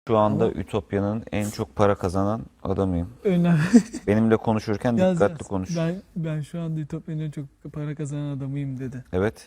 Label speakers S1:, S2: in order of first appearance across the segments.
S1: Şu anda
S2: Ama
S1: Ütopya'nın en çok para kazanan adamıyım.
S2: önemli.
S1: Benimle konuşurken
S2: Yaz
S1: dikkatli
S2: yaz.
S1: konuş.
S2: Ben şu anda Ütopya'nın en çok para kazanan adamıyım dedi.
S1: Evet.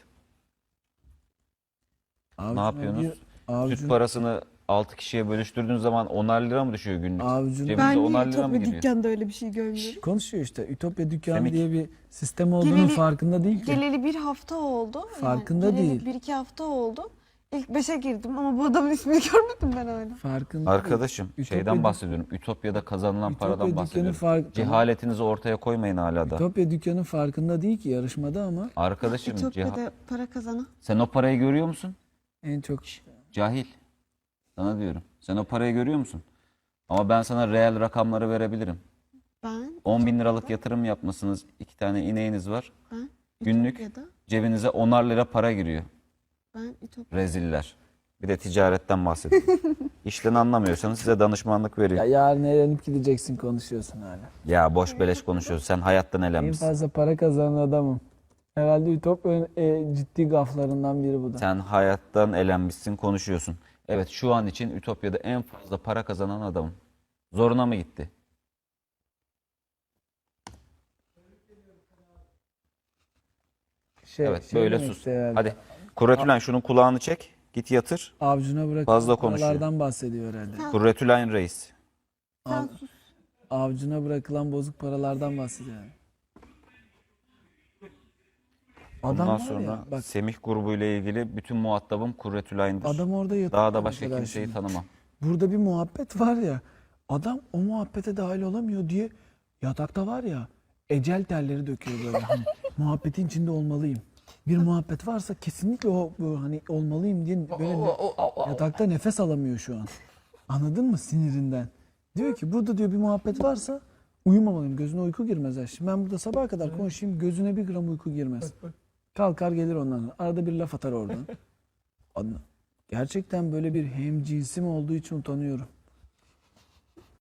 S1: Ne
S2: Avucuna
S1: yapıyorsunuz?
S2: bir
S1: Süt
S2: avucun
S1: parasını 6 kişiye bölüştürdüğün zaman 10'ar lira mı düşüyor günlük?
S2: avucuna
S1: Cebinize
S3: Ben niye
S1: 10'ar lira mı
S3: Ütopya
S1: giriyor?
S3: dükkanda öyle bir şey görmüyorum?
S2: konuşuyor işte. Ütopya dükkanı
S1: Semik.
S2: diye bir sistem olduğunun
S3: Geleli-
S2: farkında değil ki.
S3: Geleli bir hafta oldu.
S2: Farkında
S3: geleli
S2: değil.
S3: bir iki hafta oldu. İlk 5'e girdim ama bu adamın ismini görmedim ben hala.
S2: Farkında
S1: Arkadaşım
S2: değil.
S1: şeyden bahsediyorum. Ütopya'da kazanılan
S2: Ütopya
S1: paradan
S2: dükkanı
S1: bahsediyorum.
S2: fark-
S1: Cehaletinizi ortaya koymayın hala da.
S2: Ütopya dükkanı farkında değil ki yarışmada ama
S1: Arkadaşım
S3: Ütopya'da para kazanan.
S1: sen o parayı görüyor musun?
S2: en çok
S1: Cahil. Sana diyorum. Sen o parayı görüyor musun? Ama ben sana reel rakamları verebilirim.
S3: Ben
S1: 10 bin liralık yatırım yapmışsınız. 2 tane ineğiniz var.
S3: ben
S1: Günlük
S3: Ütopya'da
S1: cebinize 10'ar lira para giriyor.
S3: ben Ütopya.
S1: Reziller. Bir de ticaretten bahsediyorum. İşten anlamıyorsanız size danışmanlık
S2: ya
S1: veriyor.
S2: yarın eğlenip gideceksin konuşuyorsun hala.
S1: Ya boş beleş konuşuyorsun. Sen hayattan
S2: En
S1: elenmişsin.
S2: fazla para kazanan adamım. Herhalde Ütopya'nın ciddi gaflarından biri bu da.
S1: Sen hayattan elenmişsin, konuşuyorsun. Evet, şu an için Ütopya'da en fazla para kazanan adamım. Zoruna mı gitti? Evet, böyle
S2: demek
S1: sus.
S2: istiyor herhalde.
S1: Hadi. Kuretülen şunun kulağını çek. Git yatır.
S2: Avcuna bırakılan
S1: Fazla konuşuyor.
S2: paralardan bahsediyor herhalde.
S1: Kuretülen reis.
S3: Sen sus.
S2: Avcuna bırakılan bozuk paralardan bahsediyor. Yani. Adam
S1: Ondan
S2: var
S1: sonra
S2: ya, bak
S1: Semih grubu ile ilgili bütün muhatabım Kuretülen'dir.
S2: adam orada yatıyor.
S1: Daha da başka
S2: mesela
S1: kimseyi
S2: şimdi.
S1: tanımam.
S2: Burada bir muhabbet var ya. Adam o muhabbete dahil olamıyor diye yatakta var ya ecel terleri döküyor böyle. Hani muhabbetin içinde olmalıyım. Bir muhabbet varsa kesinlikle o bu hani olmalıyım diye böyle yatakta nefes alamıyor şu an. Anladın mı sinirinden? Diyor ki burada diyor bir muhabbet varsa uyumamalıyım. Gözüne uyku girmez. Ha. Şimdi ben burada sabaha kadar konuşayım gözüne bir gram uyku girmez. Kalkar gelir ondan sonra. Arada bir laf atar oradan. Gerçekten böyle bir hemcinsim olduğu için utanıyorum.